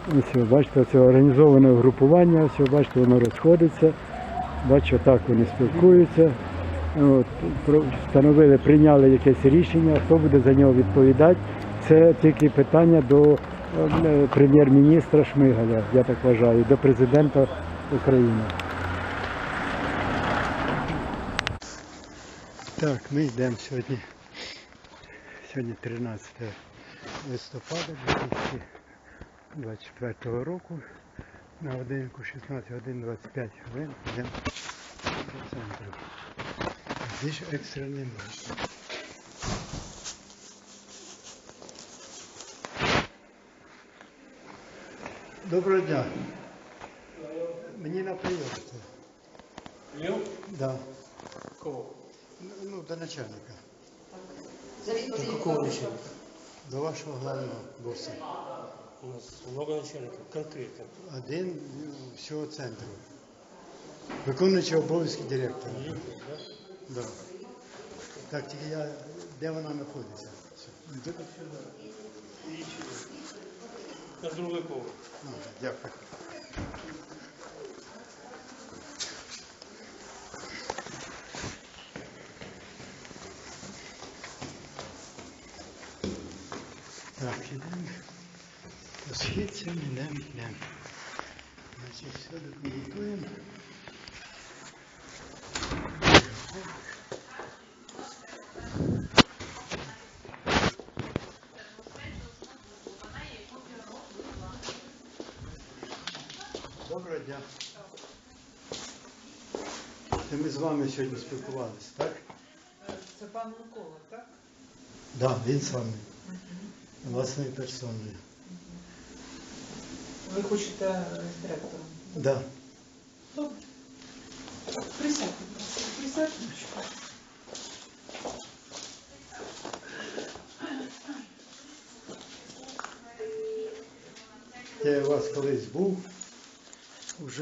Ось, бачите, це організоване групування, ось, бачите, воно розходиться. Бачите, так вони спілкуються. От, встановили, прийняли якесь рішення, хто буде за нього відповідати. Це тільки питання до прем'єр-міністра Шмигаля, я так вважаю, до президента України. Так, ми йдемо сьогодні. Сьогодні 13 листопада 2024 року. На годинку 16 годин 25 хвилин йдемо до центру. Здесь екстрений марш. Доброго дня. Мені на прийом. Прийом? Да. Кого? Ну, до начальника. До какого начальника? До вашого главного босса. У нас много начальников, конкретно. Один всього центру. Виконуючий обов'язки директора. Да. Так, тільки я, де вона знаходиться? На другой поверх. Дякую. Так, ідемо. По східцям йдемо. Значить, все документуємо. Доброго дня. Це ми з вами сьогодні спілкувалися, так? Це пан Микола, так? Так, да, він з вами. Власною персоною. Ви хочете з директором? Так. Да. Добре. Присядьте, присядьте. Я у вас колись був уже.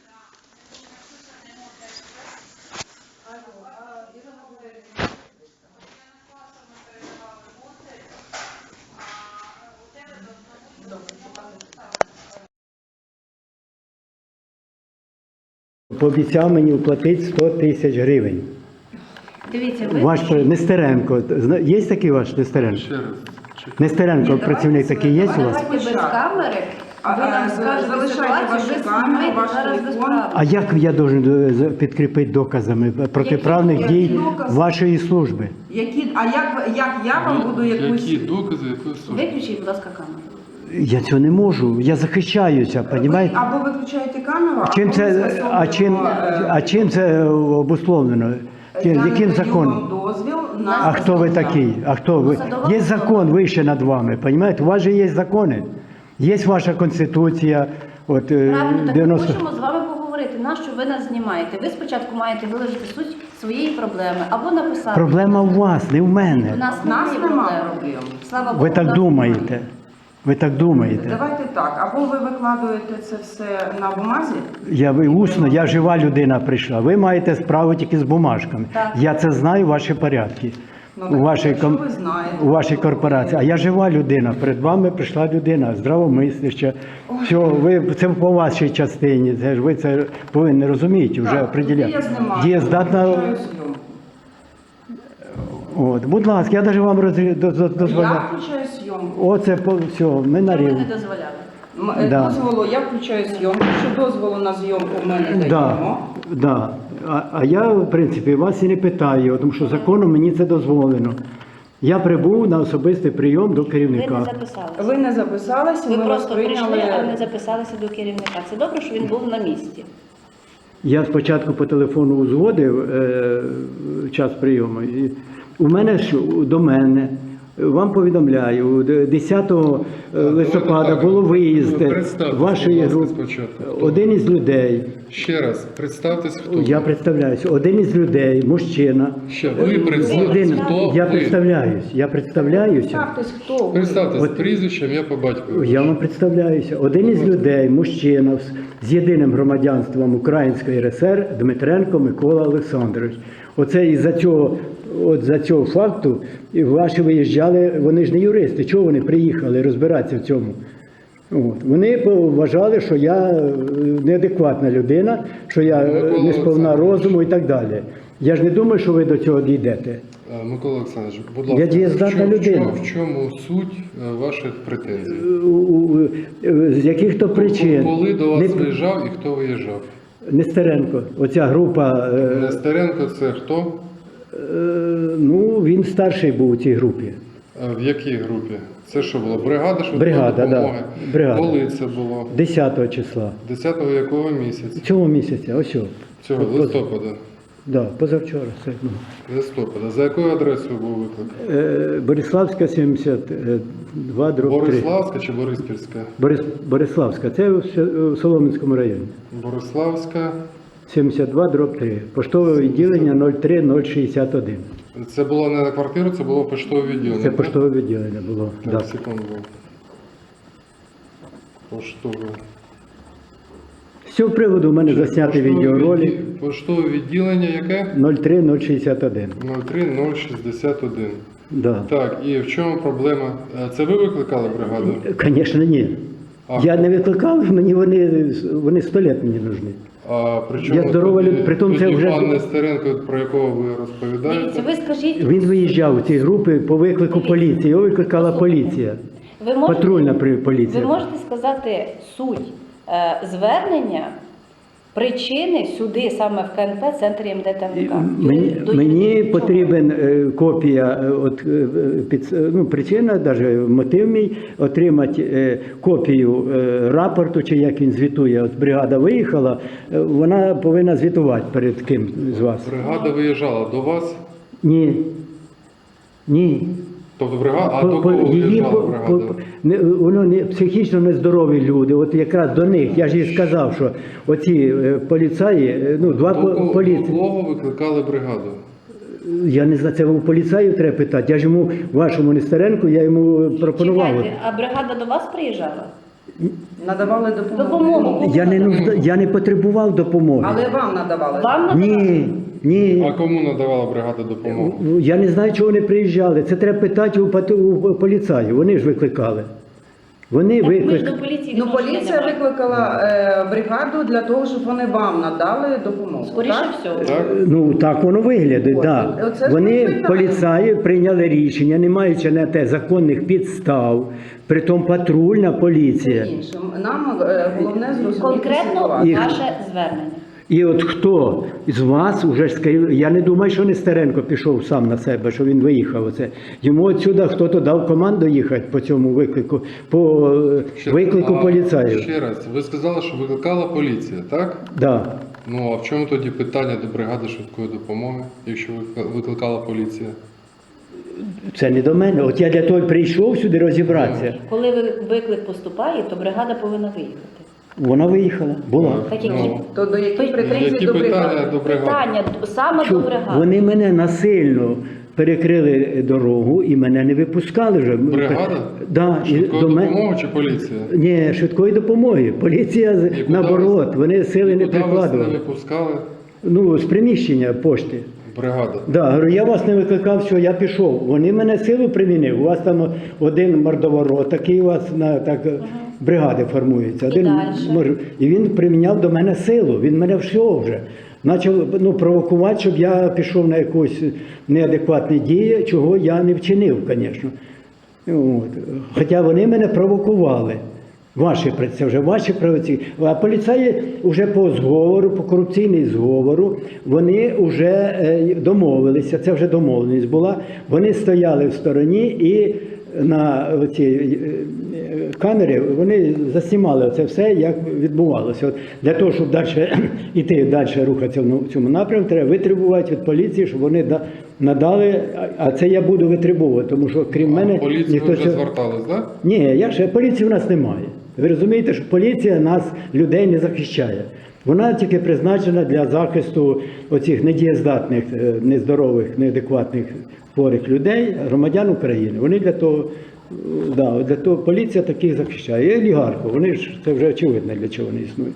Пообіцяв мені оплатити 100 тисяч гривень. Дивіться, ви... Ваш Нестеренко, є такий ваш Нестеренко? Нестеренко, працівник такий є у вас? Давайте без камери, ви нам скажете ситуацію, ви знімаєте зараз без права. А як я должен підкріпити доказами протиправних дій вашої служби? А як я вам буду якусь... Які докази, якої служби? Виключіть, будь ласка, камеру. Я цього не можу, я захищаюся, розумієте? Або виключаєте камеру, А чим це обусловлено? Яким законом? дозвіл А на... хто ви такий? А хто ви? Є закон вище над вами, розумієте? У вас же є закони. Є ваша конституція. От, Правильно, так 90... ми хочемо з вами поговорити. Нащо ви нас знімаєте? Ви спочатку маєте виложити суть своєї проблеми або написати. Проблема у вас, не в У мене. нас немає проблем. Слава Богу, Ви у так нас думаєте. немає. Ви так думаєте. Давайте так, або ви викладуєте це все на бумазі. Я жива людина прийшла. Ви маєте справу тільки з бумажками. Так. Я це знаю, ваші порядки. Ну, так, якщо ви знаєте. У вашій корпорації. А я жива людина. Перед вами прийшла людина, здравомисляща. Все, ви це по вашій частині. Це ж ви це повинні розуміти, вже Так, определяти. я знімаю, Дієздатна. включаю зйомку. От, будь ласка, я навіть вам дозволяю. Я включаю зйомку. Оце все, ми на Це ви рівні. не дозволяли. Да. Дозволу, я включаю зйомку. Що дозволу на зйомку в мене Да, даємо. да. А я, в принципі, вас і не питаю, тому що законом мені це дозволено. Я прибув на особистий прийом до Ви керівника. не записалися. Ви не записалися, Ви ми вас просто прийшли, а не прийняли. записалися до керівника. Це добре, що він був на місці. Я спочатку по телефону узгодив час прийому. І у мене до мене. Вам повідомляю, 10 листопада було виїзд вашої групи. Один із людей. Ще раз, представтесь, хто Я ви. представляюся. Один із людей, мужчина. Ще ви представтесь, хто Я ви. представляюся. Ставтесь, хто ви. Представтесь От- прізвищем, я по батькові. Я вам представляюся. Один із людей, мужчина з єдиним громадянством Української РСР Дмитренко Микола Олександрович. Оце із-за цього, за цього факту і ваші виїжджали, вони ж не юристи. Чого вони приїхали розбиратися в цьому? От. Вони вважали, що я неадекватна людина, що я Микола не сповна Олександрович. розуму і так далі. Я ж не думаю, що ви до цього дійдете. Микола Олександрович, будь Я ласка, дієздатна людина. в чому суть ваших претензій? З яких то причин. Коли до вас Не- виїжджав і хто виїжджав? Нестеренко, оця група, Нестеренко це хто? ну він старший був у цій групі. В якій групі? Це що було? Бригада швидкої Бригада, допомоги? да. Бригада. Коли це було? 10 числа. 10-го якого місяця? Цього місяця, ось. Цього листопада. Да, позавчора. Це, ну. Листопада. За якою адресою був виклик? Бориславська 72, дроб 3. Бориславська чи Бориспільська? Бориславська, це в Солом'янському районі. Бориславська. 72, дроб 3. Поштове відділення 03061. Це було не на квартиру, це було поштове відділення. Це так? поштове відділення було. Так, Да. секунду. Поштове. З цього приводу в мене засняти відеоролик Поштове відділення яке? 03061. 03061. Да. Так, і в чому проблема? Це ви викликали бригаду? Звісно, ні. А. Я не викликав, мені вони 100 лет мені нужны. А при чому Я здорова тоді- людина, притом це тоді вже- пан Нестеренко, про якого ви розповідаєте? Дивіться, ви скажіть, Він виїжджав у ці групи по виклику поліції. Його викликала поліція. ви можете, Патрульна ви поліція. можете сказати суть звернення, причини сюди, саме в КНП, центрі МД та МК? Мені потрібен копія, причина, навіть мотив мій, отримати копію рапорту, чи як він звітує. От бригада виїхала, вона повинна звітувати перед ким з вас. Бригада виїжджала до вас? Ні. Ні. Тобто бригада, а до кого виїжджала бригада? Воно не психічно нездорові люди. От якраз до них, я ж їй сказав, що оці поліцаї, два До поліції. кого викликали бригаду? Я не знаю, це у поліцаю треба питати. Я ж йому, вашому Нестеренку, я йому пропонував. Чекайте, а бригада до вас приїжджала? Надавали Допомогу. Я не потребував допомоги. Але вам надавали. Вам надавали? Ні. А кому надавала бригада допомогу? Я не знаю, чого вони приїжджали. Це треба питати у поліцаю. Вони ж викликали. Вони Так, ми ж викликали. до поліції Ну, відношення поліція не маємо. викликала бригаду для того, щоб вони вам надали допомогу. Скоріше так? всього. Так? Ну так воно виглядає. От, Да. оце ж Вони питання. поліцаї прийняли рішення, не маючи на те законних підстав. Притом патрульна поліція. Іншим. Нам головне зрозуміти Конкретно ситуацію. ваше звернення. І от хто з вас уже ж я не думаю, що Нестеренко пішов сам на себе, що він виїхав. Оце. Йому отсюди хтось дав команду їхати по цьому виклику, по виклику поліцаю. Ще раз, ви сказали, що викликала поліція, так? Да. Ну, а в чому тоді питання до бригади швидкої допомоги, якщо викликала поліція? Це не до мене. От я для того й прийшов сюди розібратися. Коли виклик поступає, то бригада повинна виїхати. Вона виїхала, була. Так які Ну, То до яких Які претензій які до бригади? питання до бригади? питання саме Що до бригади? вони мене насильно перекрили дорогу і мене не випускали вже. Бригада? Да, і Швидкої до мене- допомоги чи поліція? Ні, швидкої допомоги. Поліція І куди наоборот, вас- вони сили не Куди вас не прикладували. випускали? Ну, з приміщення пошти. Бригада. Да, говорю, я вас не викликав, що я пішов. Вони мене силу примінив. У вас там один мордоворот, такий у вас на так бригади формується. Один дальше? і він приміняв до мене силу. Він мене всього вже. Почав провокувати, щоб я пішов на якусь неадекватні дії, чого я не вчинив, звісно. От. Хоча вони мене провокували. Це вже ваші правоці. А поліцаї вже по зговору, по корупційній зговору, вони вже домовилися, це вже домовленість була. Вони стояли в стороні і на ці камери вони заснімали це все, як відбувалося. От для того, щоб далі йти, далі рухатися в цьому напрямку, треба витребувати від поліції, щоб вони надали, а це я буду витребувати, тому що крім мене... Поліцію ніхто вже цього- звертались, так? Ні, поліції в нас немає. Ви розумієте, що поліція нас, людей, не захищає. Вона тільки призначена для захисту оцих недієздатних, нездорових, неадекватних хворих людей, громадян України. Вони для того, для того поліція таких захищає. І олігархів, вони ж, це вже очевидно, для чого вони існують.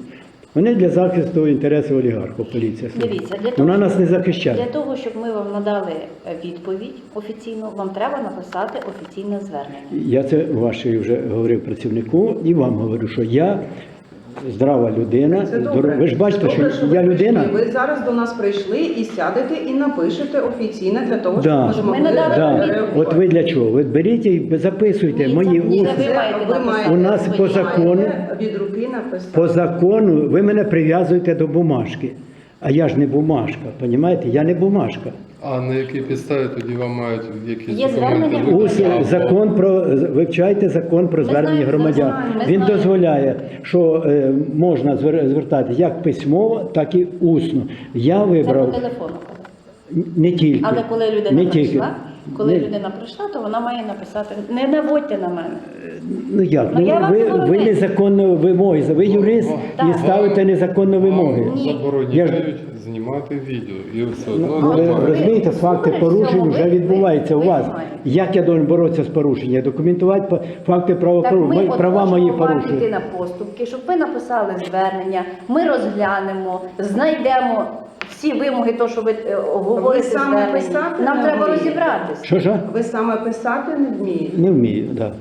Вони для захисту інтересів олігархів, поліція. Дивіться, для того, Вона нас не для захищає. того, щоб ми вам надали відповідь офіційну, вам треба написати офіційне звернення. Я це вашій вже говорив працівнику і вам говорю, що я здрава людина. Це добре. Ви ж бачите, Добре, що ви я людина. прийшли. Ви зараз до нас прийшли і сядете і напишете офіційно для того, щоб Да. ми змогли Ми надали Да. реагувати. От ви для чого? Ви беріть і записуйте Ні, мої це- ні, усні. ви маєте написати. У нас свої. по закону, Маєте від руки написати. по закону ви мене прив'язуєте до бумажки. А я ж не бумажка, розумієте? Я не бумажка. А на якій підставі тоді вам мають якісь Є документи звернення? видати? Або- Закон про вивчайте закон про Ми звернення знаємо, громадян. ми Він знаємо. дозволяє, що можна звертати як письмово, так і усно. Я Це по вибрав телефону. не тільки. Але коли людина не тільки. прийшла, коли Не- людина прийшла, то вона має написати. Не наводьте на мене. Ну як? Ну, я вам ви забороняю. незаконно вимоги. Ви юрист Так. і ставите незаконно вимоги. Вам Ні. забороняють знімати відео. І все одно Ну, ви знімають. розумієте, факти ви порушень всьому вже ви- відбуваються у ви вас. знаєте. Як я должен боротися з порушенням? Документувати факти Так правопорушень, ми права мої можемо вам піти порушені. на поступки, щоб ви написали звернення, ми розглянемо, знайдемо всі вимоги, то, що ви говорите Ви саме звернення. писати Нам не треба вмієте? розібратися. Що? Ви саме писати не вмієте. Не вмію, так. Да.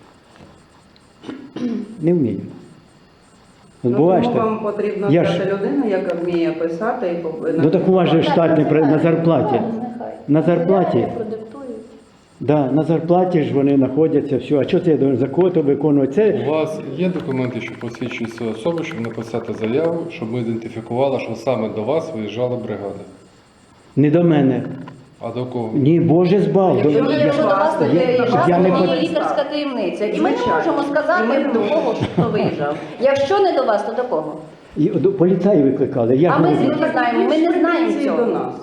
Не вмію. От Ну, буває ж тому так. вам потрібна Я ж- така людина, яка вміє писати і повинна. Ну так у вас же штатний на зарплаті. Нехай. На зарплаті. Продиктують. Да, на зарплаті ж вони знаходяться, все. А що це я должен за кого-то виконувати? Це У вас є документи, що посвідчують свою особу, щоб написати заяву, щоб ми ідентифікували, що саме до вас виїжджала бригада. не до мене. А до кого? Ні, Боже збав. Якщо До- ви- Якщо до вас Я- виїжджав, я не то пот- є лікарська таємниця. І ми не Звичайно. можемо сказати, І ми не до можемо. кого хто виїжджав. Якщо не до вас, то до кого? І до поліцаї викликали. Я А ж ми не- звідки знаємо? Ми не знаємо Претензії цього. до нас.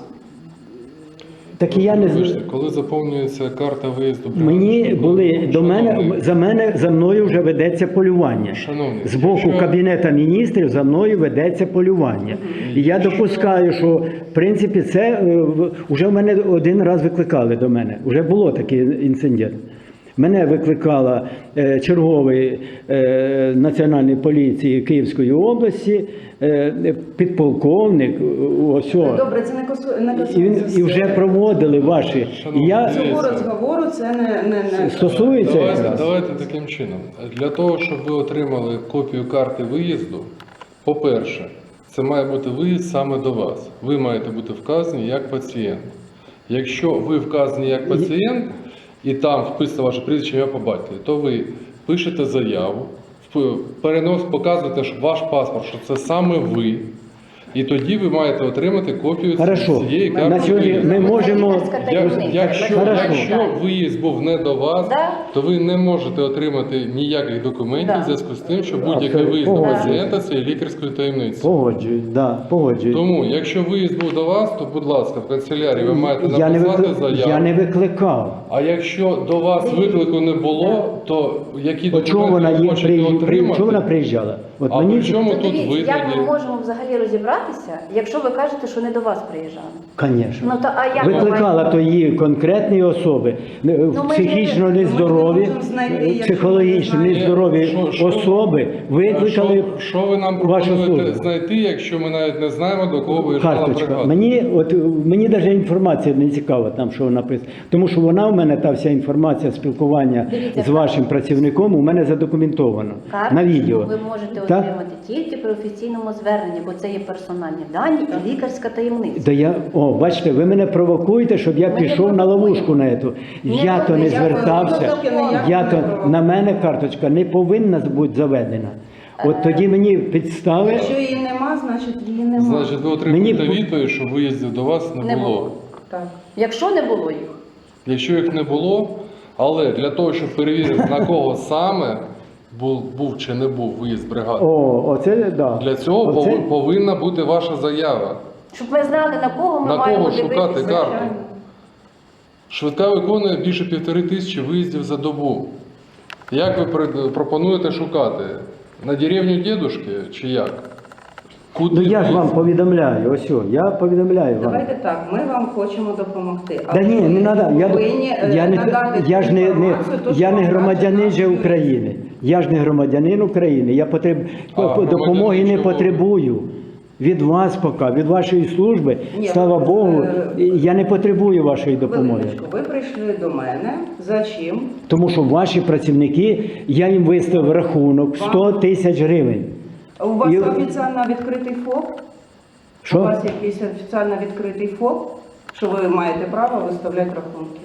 Так і я не Вибачте, знаю. коли заповнюється карта виїзду бригади, Мені що були до шановний, мене за мною вже ведеться полювання. Шановний, З боку якщо- Кабінету міністрів за мною ведеться полювання. І я допускаю, що в принципі це вже в мене один раз викликали до мене. Вже було такий інцидент. Мене викликала черговий Національної поліції Київської області, підполковник. Ось. Добре, це не І вже проводили ваші. І я Цього розговору це не стосується якраз. Давайте таким чином. Для того, щоб ви отримали копію карти виїзду, по-перше, це має бути виїзд саме до вас. Ви маєте бути вказані як пацієнт. Якщо ви вказані як пацієнт, і там вписано ваше прізвище, ім'я по батькові, то ви пишете заяву, показуєте що ваш паспорт, що це саме ви, і тоді ви маєте отримати копію Хорошо. цієї На карти сьогодні виїзду. ми можемо. Лікарська таємниця. Якщо, Хорошо. якщо виїзд був не до вас, Да. то ви не можете отримати ніяких документів Да. в зв'язку з тим, що будь-який Абсолютно. виїзд до Погоджуюсь. пацієнта це є лікарською таємницею. Погоджуюсь, да, погоджуюсь. Тому, якщо виїзд був до вас, то, будь ласка, в канцелярії ви маєте Я не, написати заяву. я не викликав. А якщо до вас виклику не було, то які От чого вона документи ви хочете отримати? чого вона приїжджала? От А мені при чому То тут дивіться, ви як ми тоді? можемо взагалі розібратися, якщо ви кажете, що не до вас приїжджали? Звісно. Ну то а як ми Викликала маємо? то її конкретні особи, ми психічно не- нездорові, можемо знайти, якщо психологічно ми не знаємо. нездорові Що- особи викликали Що ви нам вашу пропонуєте службу. знайти, якщо ми навіть не знаємо, до кого виїжджала Карточка. бригада? Мені навіть інформація не цікава, там що написано. Тому що вона в мене, та вся інформація спілкування Дивіться, з вашим працівником у мене задокументовано Карточку на відео. ви можете Так? отримати тільки при офіційному зверненні, бо це є персональні дані і лікарська таємниця. Бачите, ви мене провокуєте, щоб я Ми не пішов на провокуємо. ловушку на ету. Ні, Я то не я звертався. На мене карточка не повинна бути заведена. От тоді мені підстави. Якщо її нема, значить її нема. Значить, ви отримуєте Мені- відповідь, що виїздів до вас Не не було. було. Так. Якщо не було їх, Якщо їх не було, але для того, щоб перевірити, на кого саме був чи не був виїзд бригади, Оце да. для цього Оце- повинна бути ваша заява. щоб ми знали, на кого ми На маємо кого шукати дивитися. карту? Швидка виконує більше 1500 виїздів за добу. Як ви пропонуєте шукати? На деревню дідушки чи як? Куди Ну я ж вам виїзд? повідомляю, ось о, я повідомляю вам. Давайте так, ми вам хочемо допомогти. Да ні, не треба. Я не громадянин же України. Я ж не громадянин України. Я громадянин допомоги не чого? потребую. Від вас поки, від вашої служби, Ні, слава ви- Богу, я не потребую вашої допомоги. Хвилиночку, ви прийшли до мене. За чим? Тому що ваші працівники, я їм виставив рахунок 100 тисяч гривень. У вас І- офіційно відкритий ФОП? У Що? вас якийсь офіційно відкритий ФОП, що ви маєте право виставляти рахунки?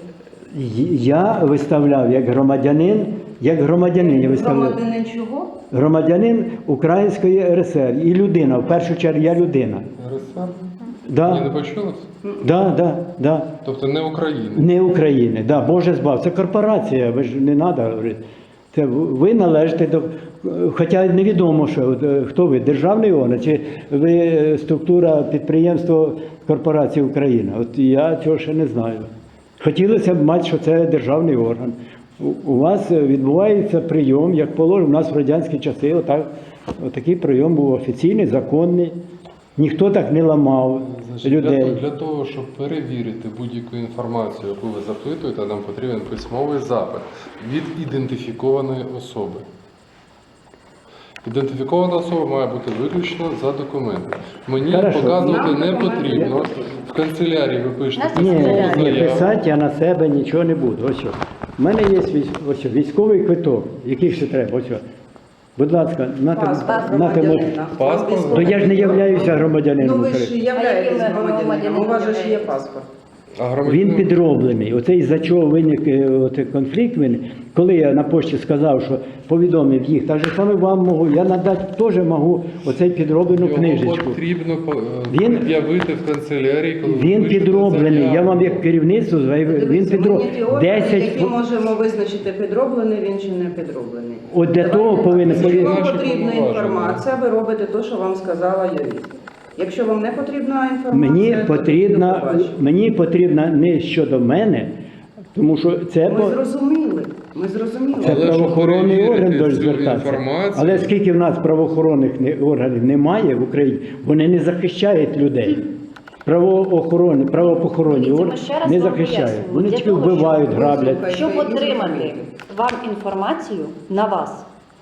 Я виставляв як громадянин я виставляв. Громадянин чого? Громадянин Української РСР і людина, в першу чергу я людина. РСР? Мені не Да, почулось? да. Тобто не України. Не України, да, Боже збав. Це корпорація, ви ж не треба говорити. Це ви належите до. Хоча невідомо, що хто ви, державний орган, чи ви структура підприємства корпорації Україна. От я цього ще не знаю. Хотілося б мати, що це державний орган. У вас відбувається прийом, як положено, у нас в радянські часи отакий прийом був офіційний, законний. Ніхто так не ламав Значить, людей. для того, щоб перевірити будь-яку інформацію, яку ви запитуєте, нам потрібен письмовий запит від ідентифікованої особи. Ідентифікована особа має бути виключно за документи. Мені Хорошо. показувати Нам не документи потрібно. В канцелярії ви пишете Нас є Ні, письмову ні, заяву. писати я на себе нічого не буду. Ось що. У мене є ось військовий квиток, який ще треба. Ось що. Будь ласка, Паспорт нате громадянина. Паспорт? То я ж не являюся громадянином Ну ви ж України. являєтесь А яким громадянином, у вас же ж є громадянином паспорт. А Він громадянин- підроблений. Оце із-за чого виник конфлікт. Коли я на пошті сказав, що повідомив їх, так же саме вам можу, я надати теж можу оцей підроблену Його книжечку. потрібно Він- пред'явити в канцелярії, коли ви Він пишете підроблений. заяву. Я вам як керівництво заявив, він Дивіться, ми підроблений. є ті органи, 10 які можемо визначити, підроблений він чи не підроблений. От для того повинен Якщо вам Наші потрібна повноваження. інформація, ви робите те, що вам сказала юрист. Якщо вам не потрібна інформація, мені потрібна не щодо мене, тому що це Ми зрозуміли. Це Але щоб правоохоронний орган перевірити до цю звертатися. інформацію- Але скільки в нас правоохоронних органів немає в Україні, вони не захищають людей. Правоохоронні Дивіться, ми органи ще раз не вам захищають. пояснюємо. Вони Для тільки того, щоб вбивають, ви граблять. слухаєте, Щоб і отримати зрозуміти. вам інформацію на вас,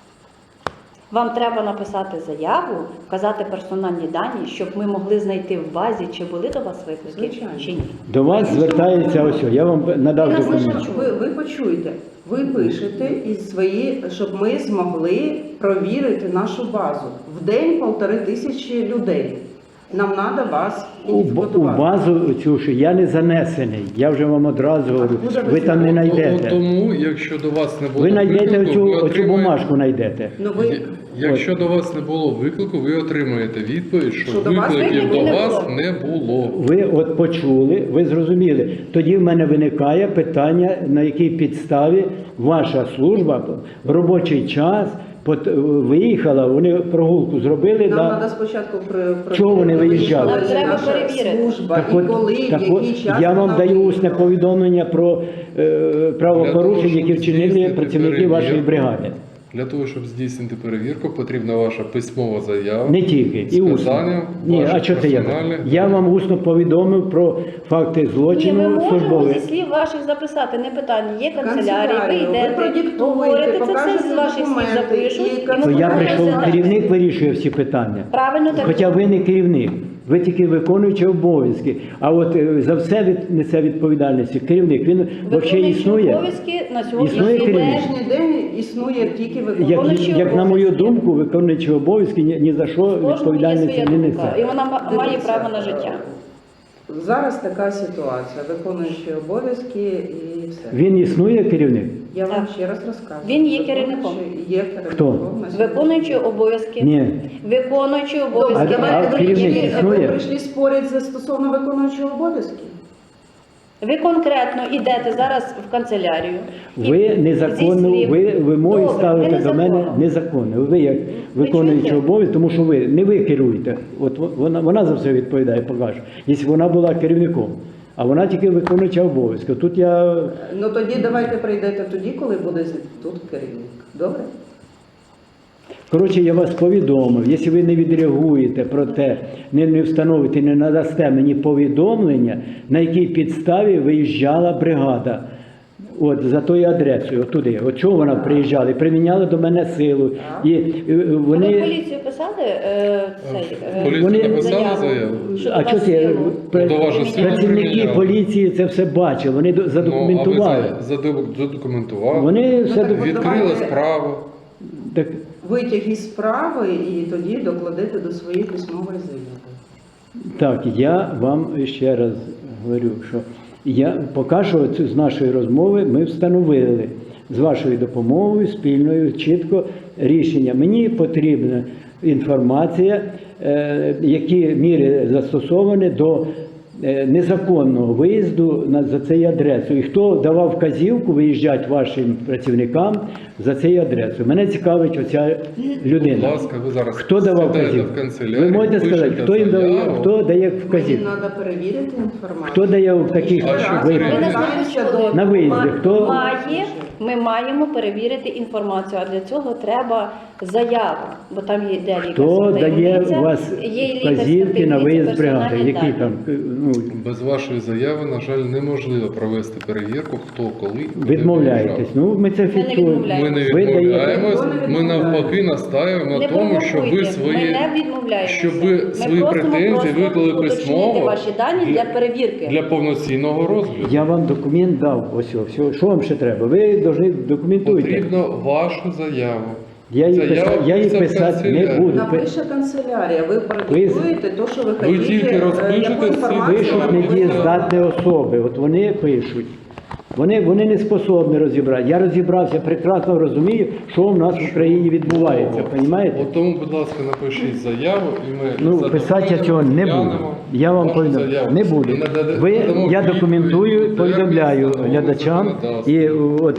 вам треба написати заяву, вказати персональні дані, щоб ми могли знайти в базі, чи були до вас виклики, Звичайно. чи ні. До вас звертається ось, я вам надав Ви нас не документ. Ви почуєте, ви пишете із свої, щоб ми змогли провірити нашу базу. В день 1500 людей. Нам треба вас У ідентифікувати. базу цю, що я не занесений, я вже вам одразу говорю, Откуда ви ви там не знаєте? знайдете. Тому, якщо до вас не було Ви знайдете виклику, ви оцю отримаєте- бумажку, знайдете. Ну, ви, Якщо до вас не було виклику, ви отримаєте відповідь, що Що до вас викликів виклику до не вас було. не було. Ви от почули, ви зрозуміли. Тоді в мене виникає питання, на якій підставі ваша служба в робочий час виїхала, вони прогулку зробили. нам Да. треба спочатку Чого вони виїжджали? Нам треба наша перевірити. служба Так і от, коли, так в який от, час я вам вона даю усне виїхала. повідомлення про правопорушення, Для того, які щоб вчинили здійснити працівники вашої перевірку. бригади. Для того, щоб здійснити перевірку, потрібна ваша письмова заява. Не тільки, і усно. Сказанням Ні, а ваших що це я? персональних Я вам усно повідомив про факти Ні, ми злочину можемо службових. зі слів ваших записати, не питання. Є канцелярія, ви Канцелярію, ви йдете, продиктуєте, говорите, це все покажете з ваших слів документи, запишуть. і і То ми я будемо прийшов, розглядати. керівник вирішує всі питання. Правильно так. Хоча ви не керівник, ви тільки виконуючий обов'язки. А от за все несе відповідальність керівник. Він взагалі Виконуючі існує. обов'язки на сьогодні Існує На керівник. сьогоднішній день існує тільки Виконуючий Як на мою обов'язки. думку, виконуючий обов'язки ні за що Кожному є відповідальності своя не думка, і несе. вона має Дивіться, право на життя. Зараз така ситуація, виконуючі обов'язки і все. Він існує керівник? Я вам Так. ще раз розкажу. Він є керівником. Є керівником. Хто? на сьогодні. Виконуючи обов'язки. Ні. Виконуючи Добре, обов'язки. А керівник ви існує? прийшли спорити за стосовно виконуючого обов'язки? Ви конкретно йдете зараз в канцелярію. і Ви зі незаконно, слів- ви вимоги Добре, ставите ви до мене незаконно. незаконно. Ви як виконуючий чуєте? обов'язки, тому що не ви керуєте. От вона за все відповідає, покаже. Якщо вона була керівником, а вона тільки виконуюча обов'язки. Тут я Ну тоді давайте прийдете тоді, коли буде тут керівник. Добре? Коротше, я вас повідомив, якщо ви не відреагуєте про те, не встановите, не надасте мені повідомлення, на якій підставі виїжджала бригада. От, за тою адресою, от туди. От чого вона приїжджала? І приміняли до мене силу. І Ви вони... поліцію писали Поліцію Вони- написали заяву? А до чого вас це? силу? До вашої сили Працівники приміняли. поліції це все бачили, вони задокументували. Ну, а ви задокументували, Вони все так документували. відкрили Давайте. справу. Так, Витяг із справи і тоді докладете до своєї письмової заяви. так, я вам ще раз говорю, що я поки що з нашої розмови ми встановили з вашою допомогою, спільною, чітко рішення. Мені потрібна інформація, які міри застосовані до незаконного виїзду за цією адресою. І хто давав вказівку виїжджати вашим працівникам за цією адресою. Мене цікавить оця Будь людина. ласка, ви зараз Хто давав сідаєте вказівку? в канцелярію, Ви можете сказати, пишете хто їм дає, заяву. хто дає Мені вказівку? треба перевірити інформацію. Хто дає в таких А що випадках? Ми перевіряти? На виїзді хто? Ми маємо перевірити інформацію, а для цього треба заява, бо там є де Хто лікарська дає таємниця, у вас є лікарська вказівки на таємниця, виїзд бригади? персональні Які дані. там, ну, Без вашої заяви, на жаль, неможливо провести перевірку, хто коли куди відмовляєтесь? виїжджав. Ну, ми це фіксуємо. відмовляємось. Ми не Ви даєте- відмовляємось, Ніхто не ми відмовляє. навпаки настаємо Не на тому, щоб ви провокуйте, свої, ми не відмовляємося. щоб ви Ми свої просимо претензії просто виклали уточнити письмово ваші дані для перевірки. для повноцінного розгляду. Я вам документ дав, ось, все. Що вам ще треба? Ви повинні документуйте. Потрібно вашу заяву. Я її Заява писати писати не канцелярію. буду. Напише канцелярія, ви продиктуєте те, що ви хочете, тільки розпишете яку всі інформацію Пишуть вам недієздатні особи, от вони пишуть. Вони не способні розібрати. Я розібрався, прекрасно розумію, що в нас в Україні відбувається, розумієте? От тому, будь ласка, напишіть заяву, і ми Ну, задоволено писати я цього не буду. розглянемо Я вам вашу повідомляю, заяву. не буду. І надамо Ви, відповідь я документую, термін, повідомляю встановлений глядачам. законодавством. І от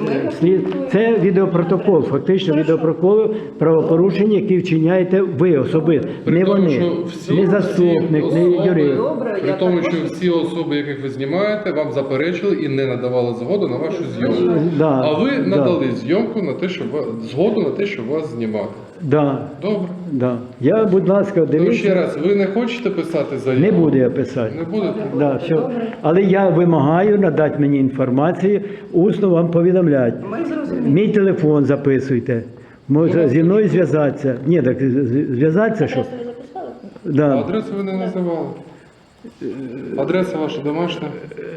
це відеопротокол, фактично відеопротокол правопорушень, які вчиняєте ви особисто, При не тому, вони, що всі- не заступник, всі не особи- юрист. Добре, При я тому, також- що всі особи, яких ви знімаєте, вам заперечили і не надавали згоду на вашу зйомку. Да, А ви да. надали зйомку на те, щоб згоду на те, щоб вас знімати. Да, Добре. да. Я, будь ласка, Ну, ще дивіться, раз, ви не хочете писати заяву? не буду я писати. Не будете? Да, все. Але я вимагаю надати мені інформацію, усно вам повідомляти. Ми зрозуміли. Мій телефон записуйте. Може зі мною зв'язатися. Ні, так зв'язатися, що? Адресу ви записали? А Да. адресу ви не називали. Адреса ваша домашня?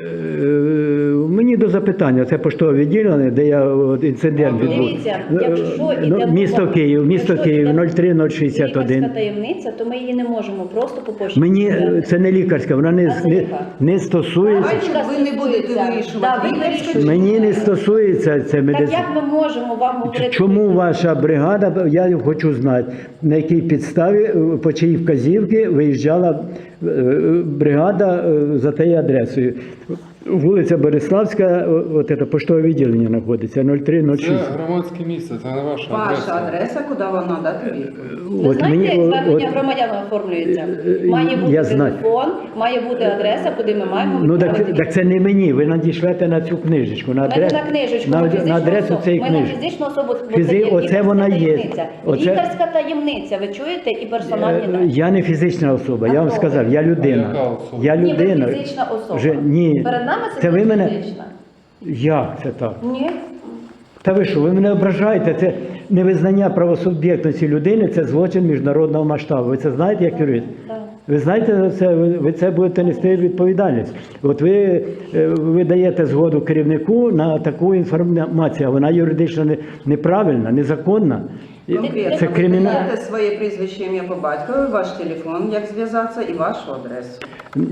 Мені до запитання, це поштове відділення, де я от, інцидент відбув. Дивіться, якщо Ну, йде місто мова- Київ, місто якщо Київ, йде 03061. лікарська таємниця, то ми її не можемо просто по пошті. Мені взяти. це не лікарська, вона А це не, яка? не стосується. Давайте ви не будете вирішувати. Да, ви Ви вирішуєте. Мені не стосується це Так медицина. як ми можемо вам говорити? Чому ваша бригада, я хочу знати, на якій підставі, по чиїй вказівки виїжджала бригада за тією адресою. Вулиця Бориславська, от це поштове відділення знаходиться, Це 0306. громадське місце, це не ваша Ваша адреса. адреса, куди вам надати відповідь. Ви От знаєте, як звернення от- громадян оформлюється? Має бути я знаю. телефон, має бути адреса, куди ми маємо Ну відправити. так це не мені, ви надішлете на цю книжечку, на Ми не адресу, на книжечку, на, ми на фізичну адресу особу. цієї Ми на книжки. фізичну особу, бо це є Оце лікарська вона є. таємниця. Оце- Лікарська таємниця, ви чуєте, і персональні дані. Я не фізична особа, А я вам хто сказав, ви? я А яка людина. особа? Я Ні, ви людина. фізична особа. Ні. Перед нами Це ви мене. фізична. Як це так? Ні. Та ви що, ви мене ображаєте? Це невизнання правосуб'єктності людини, це злочин міжнародного масштабу. Ви це знаєте як юрист? Так. Ви знаєте за це, ви це будете нести відповідальність. От ви даєте згоду керівнику на таку інформацію, а вона юридично неправильна, незаконна. І Конкретно це ви кримінал. даєте своє прізвище, ім'я по батькові, ваш телефон, як зв'язатися, і вашу адресу.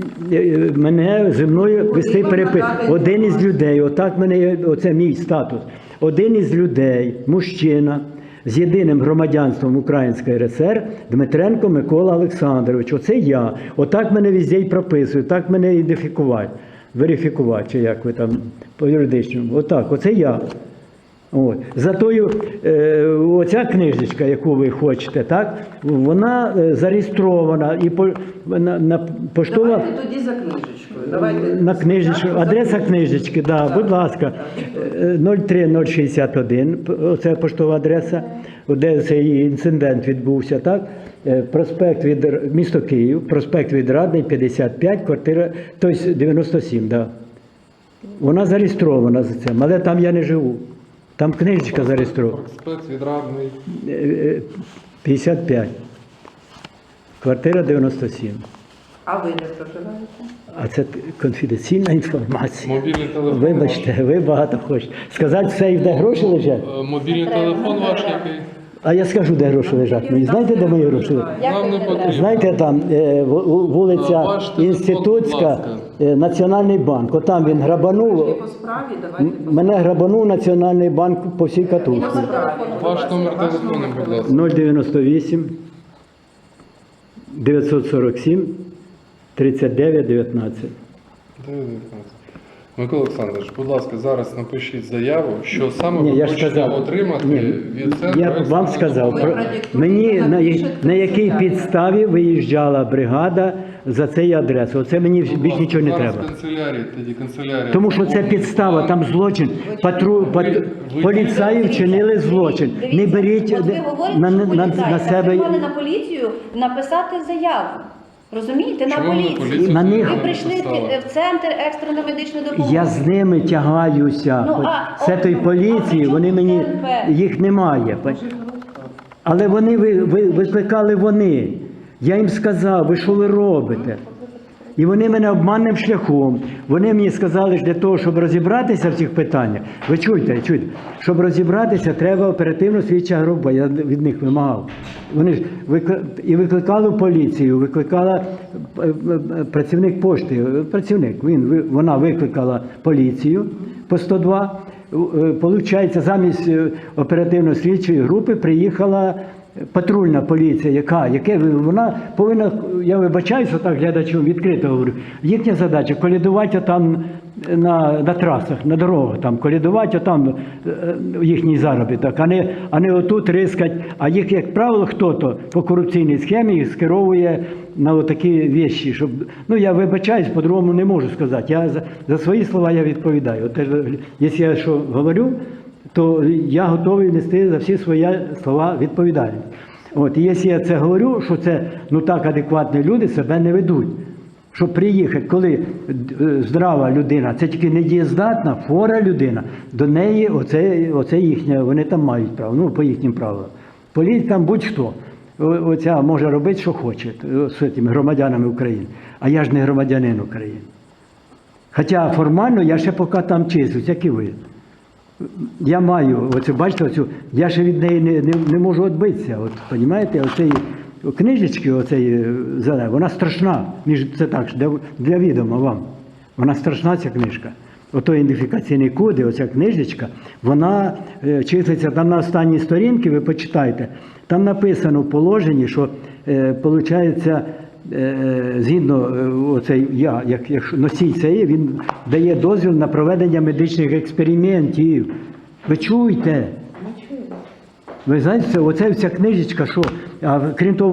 Мене зі мною вести вам перепис. надати Один із інформацію. людей, отак мене, оце мій статус. Один із людей, мужчина, з єдиним громадянством Української РСР, Дмитренко Микола Олександрович. Оце я. Отак мене везде й прописують, так мене ідентифікувати, верифікувати, чи як ви там по юридичному. Отак, оце я. От. Зато оця книжечка, яку ви хочете, так, вона зареєстрована і на поштова. Давайте тоді за книжечкою. Давайте На книжечку, за адреса книжечкою. книжечки, да, будь ласка, 03061, оце поштова адреса, де цей інцидент відбувся, так? Проспект від місто Київ, проспект Відрадний, 55, квартира, тобто 97, да. Вона зареєстрована за цим, але там я не живу. Там книжечка зареєстрована. Проспект Відрадний. 55. Квартира 97. А ви де проживаєте? А це конфіденційна інформація. Мобільний телефон. Вибачте, ви багато хочете. Сказати все, і де гроші лежать? Мобільний телефон ваш який? А я скажу, де гроші лежать. Ви знаєте, де мої гроші лежать? Нам не потрібно. Знаєте, там вулиця Ваш телефон, будь Інститутська, ласка. Національний банк. Отам він Ви грабанув. по справі, давайте по Мене грабанув Національний банк по всій катушці. Ваш номер телефону, будь ласка. 098 947 39 19. Микола Олександрович, будь ласка, зараз напишіть заяву, що саме Ні, ви я ж хочете сказав. отримати Ні, від центру. я вам сказав, Ви про- продиктуйте, мені напишете на якій заяву. підставі виїжджала бригада за цей адрес. Оце мені Будь більш ласка, нічого не зараз треба. канцелярія, тоді канцелярія. Тому що це заповнить підстава, план. там злочин. ви- Поліцаї вчинили злочин. Дивіться, Не беріть от ви говорите, на що себе. поліцаї. Ви мали на поліцію написати заяву. Розумієте, на Чому ви поліцію. поліцію На них- Ви не прийшли написали? в центр екстреної медичної допомоги. Я з ними тягаюся. Ну, а Це той а поліції, при чому вони мені ТНП? їх немає. Але вони викликали вони. Я їм сказав, ви що ви робите? І вони мене обманним шляхом. Вони мені сказали, що для того, щоб розібратися в цих питаннях, ви чуєте, щоб розібратися, треба оперативно слідча група. Я від них вимагав. Вони ж викликали в поліцію, викликала працівник пошти, вона викликала поліцію по 102. Получається, замість оперативно-слідчої групи приїхала патрульна поліція, вона повинна, я вибачаюся так глядачам, відкрито говорю, їхня задача колядувати там на трасах, на дорогах, там колядувати там їхній заробіток, а не отут рискать. А їх, як правило, хто-то по корупційній схемі їх скеровує на отакі речі, щоб, я вибачаюсь, по-другому не можу сказати. Я за свої слова я відповідаю. От, якщо я що говорю, то я готовий нести за всі свої слова відповідальність. От, і якщо я це говорю, що це так адекватні люди себе не ведуть. Щоб приїхати, коли здрава людина, це тільки недієздатна, хвора людина, до неї оце їхнє, вони там мають право, по їхнім правилам. Поліція там будь-хто. Оця може робити, що хоче з цими громадянами України. А я ж не громадянин України. Хоча формально я ще поки там числюсь, як і ви. Я маю, бачите, я ще від неї не можу відбитися. Розумієте, оцеї книжечки, зеленої, вона страшна. Це так, для відома вам. Вона страшна, ця книжка. Ото ідентифікаційний код, оця книжечка, вона числиться там на останній сторінці, ви почитайте. Там написано в положенні, що, виходить, згідно я, як носій цієї, він дає дозвіл на проведення медичних експериментів. Ви чуєте? Ви знаєте, оця книжечка, що, крім того,